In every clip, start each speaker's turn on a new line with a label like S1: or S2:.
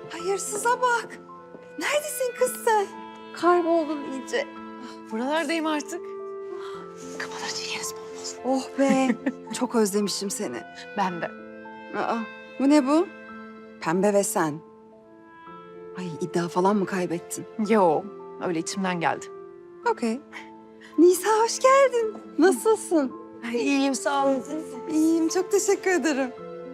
S1: Hayırsıza bak. Neredesin kız sen? Kayboldun iyice.
S2: Buralardayım artık. Kapıları yeriz bol bol.
S1: Oh be. Çok özlemişim seni.
S2: Ben de.
S1: Aa, bu ne bu? Pembe ve sen. Ay iddia falan mı kaybettin?
S2: Yo, öyle içimden geldi.
S1: Okey. Nisa hoş geldin. Nasılsın?
S2: İyiyim, sağ olun.
S1: İyiyim, çok teşekkür ederim.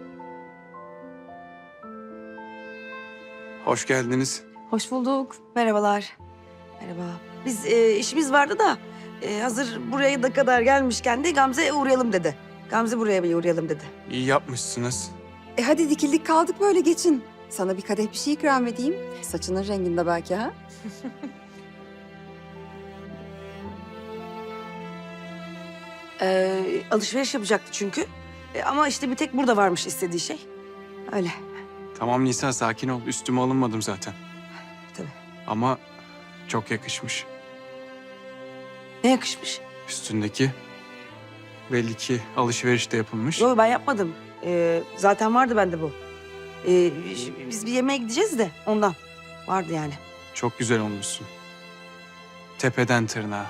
S3: Hoş geldiniz.
S2: Hoş bulduk.
S4: Merhabalar. Merhaba. Biz işimiz vardı da hazır buraya da kadar gelmişken de Gamze'ye uğrayalım dedi. Gamze buraya bir uğrayalım dedi.
S3: İyi yapmışsınız.
S1: Hadi dikildik kaldık böyle geçin. Sana bir kadeh bir şey ikram edeyim. Saçının renginde belki ha?
S4: Alışveriş yapacaktı çünkü. Ama işte bir tek burada varmış istediği şey. Öyle.
S3: Tamam Nisa, sakin ol. Üstüme alınmadım zaten.
S4: Tabii.
S3: Ama çok yakışmış.
S4: Ne yakışmış.
S3: Üstündeki belli ki alışveriş de yapılmış.
S4: Yo ben yapmadım. Zaten vardı bende bu. Biz bir yemeğe gideceğiz de ondan. Vardı yani.
S3: Çok güzel olmuşsun. Tepeden tırnağa.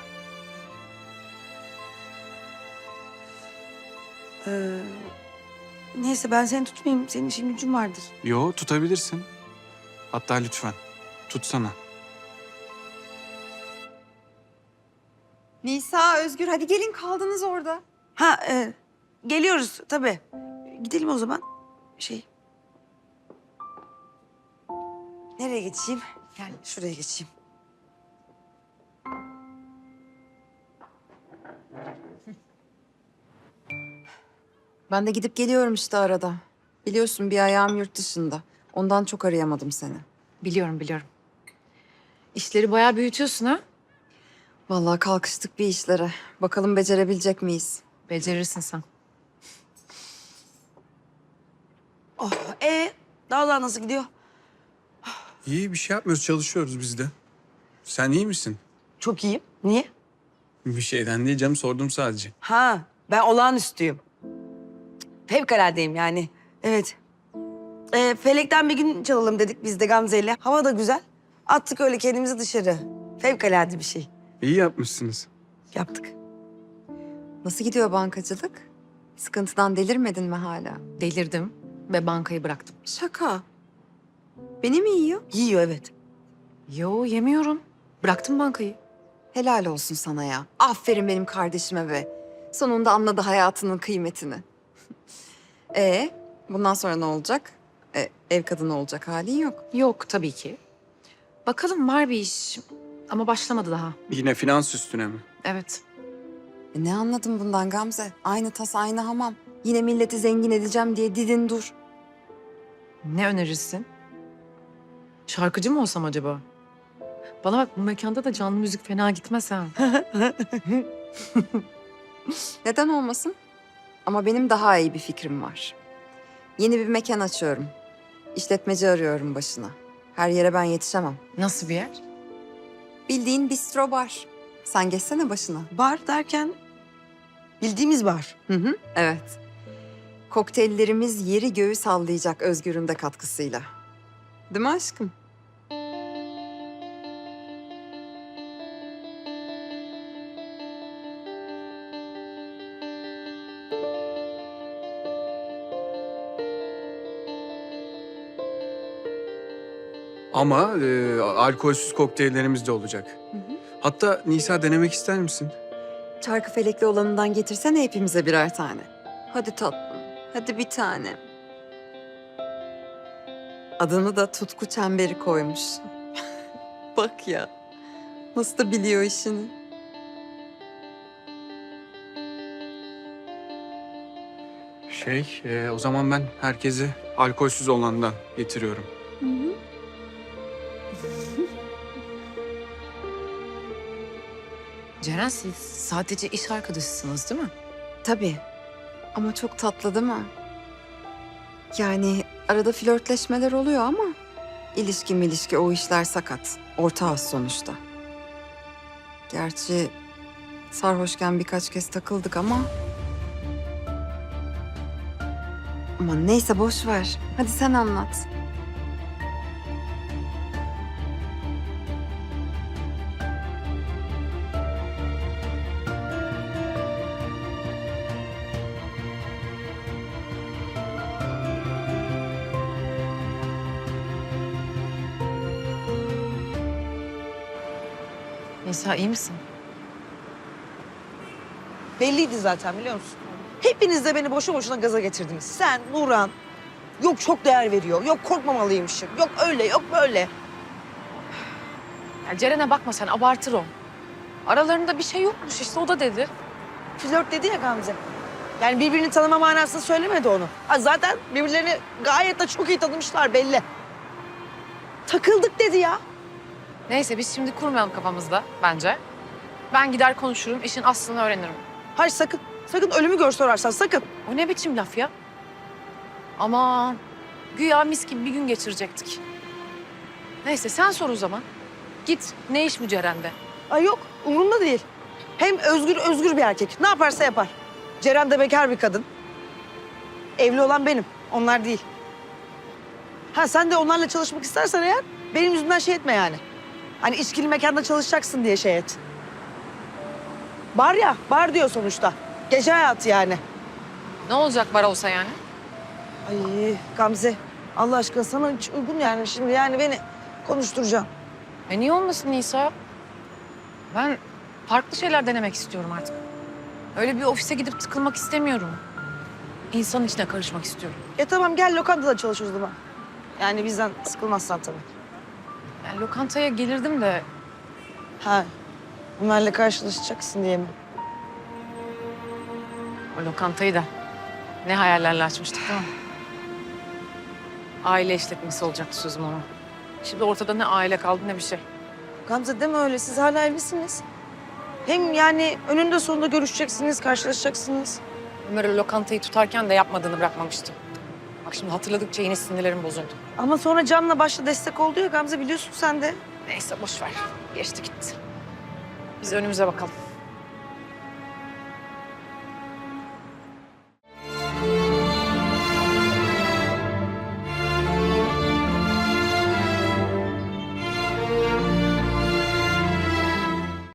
S4: Neyse ben seni tutmayayım. Senin işin gücün vardır.
S3: Yo, tutabilirsin. Hatta lütfen tutsana.
S1: Nisa, Özgür hadi gelin kaldınız orada.
S4: Ha geliyoruz tabii. Gidelim o zaman. Nereye geçeyim? Yani şuraya geçeyim.
S1: Ben de gidip geliyorum işte arada. Biliyorsun bir ayağım yurt dışında. Ondan çok arayamadım seni.
S2: Biliyorum, biliyorum. İşleri bayağı büyütüyorsun ha?
S1: Vallahi kalkıştık bir işlere. Bakalım becerebilecek miyiz?
S2: Becerirsin sen.
S4: Oh, dağlar nasıl gidiyor?
S3: İyi, bir şey yapmıyoruz, çalışıyoruz biz de. Sen iyi misin?
S4: Çok iyiyim. Niye?
S3: Bir şeyden değil canım, sordum sadece.
S4: Ha, ben olağanüstüyüm. Fevkaladeyim yani. Evet. Felekten bir gün çalalım dedik biz de Gamze'yle. Hava da güzel. Attık öyle kendimizi dışarı. Fevkalade bir şey.
S3: İyi yapmışsınız.
S4: Yaptık.
S1: Nasıl gidiyor bankacılık? Sıkıntıdan delirmedin mi hala?
S2: Delirdim ve bankayı bıraktım.
S1: Şaka. Beni mi yiyor?
S4: Yiyor evet.
S2: Yo, yemiyorum. Bıraktım bankayı.
S1: Helal olsun sana ya. Aferin benim kardeşime be. Sonunda anladı hayatının kıymetini. Bundan sonra ne olacak? Ev kadını olacak halin yok.
S2: Yok, tabii ki. Bakalım, var bir iş. Ama başlamadı daha.
S3: Yine finans üstüne mi?
S2: Evet.
S1: Ne anladın bundan Gamze? Aynı tas aynı hamam. Yine milleti zengin edeceğim diye didin dur.
S2: Ne önerirsin? Şarkıcı mı olsam acaba? Bana bak, bu mekanda da canlı müzik fena gitmez ha.
S1: Neden olmasın? Ama benim daha iyi bir fikrim var. Yeni bir mekan açıyorum. İşletmeci arıyorum başına. Her yere ben yetişemem.
S2: Nasıl bir yer?
S1: Bildiğin bistro bar. Sen geçsene başına.
S4: Bar derken bildiğimiz bar.
S1: Hı hı, evet. Kokteyllerimiz yeri göğü sallayacak Özgür'ün de katkısıyla. Değil mi aşkım?
S3: Ama alkolsüz kokteyllerimiz de olacak. Hatta Nisa, denemek ister misin?
S1: Çarkı felekli olanından getirsene hepimize birer tane. Hadi tatlım, hadi bir tane. Adını da Tutku Çemberi koymuş. Bak ya, nasıl da biliyor işini.
S3: O zaman ben herkese alkolsüz olandan getiriyorum.
S2: Ceren, siz sadece iş arkadaşısınız değil mi?
S1: Tabii. Ama çok tatlı değil mi? Yani arada flörtleşmeler oluyor ama ilişki o işler sakat. Ortağız sonuçta. Gerçi sarhoşken birkaç kez takıldık ama... Aman neyse boş ver. Hadi sen anlat.
S2: Nisa iyi misin?
S4: Belliydi zaten biliyor musun? Hepiniz de beni boşu boşuna gaza getirdiniz. Sen, Nurhan. Yok çok değer veriyor. Yok korkmamalıymışım. Yok öyle, yok böyle.
S2: Ya Ceren'e bakma sen, abartır o. Aralarında bir şey yokmuş işte, o da dedi.
S4: Flört dedi ya Gamze. Yani birbirini tanıma manasında söylemedi onu. Ha, zaten birbirlerini gayet de çok iyi tanımışlar belli. Takıldık dedi ya.
S2: Neyse biz şimdi kurmayalım kafamızda bence. Ben gider konuşurum, işin aslını öğrenirim.
S4: Hayır sakın. Sakın ölümü gör sorarsan sakın.
S2: O ne biçim laf ya? Aman, güya mis gibi bir gün geçirecektik. Neyse sen sor o zaman. Git, ne iş bu Ceren'de?
S4: Ay yok umurumda değil. Hem özgür bir erkek. Ne yaparsa yapar. Ceren de bekar bir kadın. Evli olan benim. Onlar değil. Ha sen de onlarla çalışmak istersen eğer benim yüzümden şey etme yani. Hani içkili mekanda çalışacaksın diye şey et. Bar ya, bar diyor sonuçta. Gece hayatı yani.
S2: Ne olacak bar olsa yani?
S4: Ay Gamze, Allah aşkına sana hiç uygun yani şimdi yani beni konuşturacaksın.
S2: Niye olmasın Nisa? Ben farklı şeyler denemek istiyorum artık. Öyle bir ofise gidip tıkılmak istemiyorum. İnsanın içine karışmak istiyorum.
S4: Tamam gel lokantada çalış o zaman. Yani bizden sıkılmazsan tabii.
S2: Yani lokantaya gelirdim de
S4: Ha, Ömer'le karşılaşacaksın diye mi?
S2: o lokantayı da ne hayallerle açmıştık değil mi? Aile işletmesi olacaktı sözüm ona. Şimdi ortada ne aile kaldı ne bir şey.
S4: Gamze deme öyle, siz hala evlisiniz. Hem yani önünde sonunda görüşeceksiniz, karşılaşacaksınız.
S2: Ömer o lokantayı tutarken de yapmadığını bırakmamıştı. Bak şimdi hatırladıkça yine sinirlerim bozuldu.
S4: Ama sonra Can'la başta destek oldu ya Gamze biliyorsun sen de.
S2: Neyse boş ver. Geçti gitti. Biz önümüze bakalım.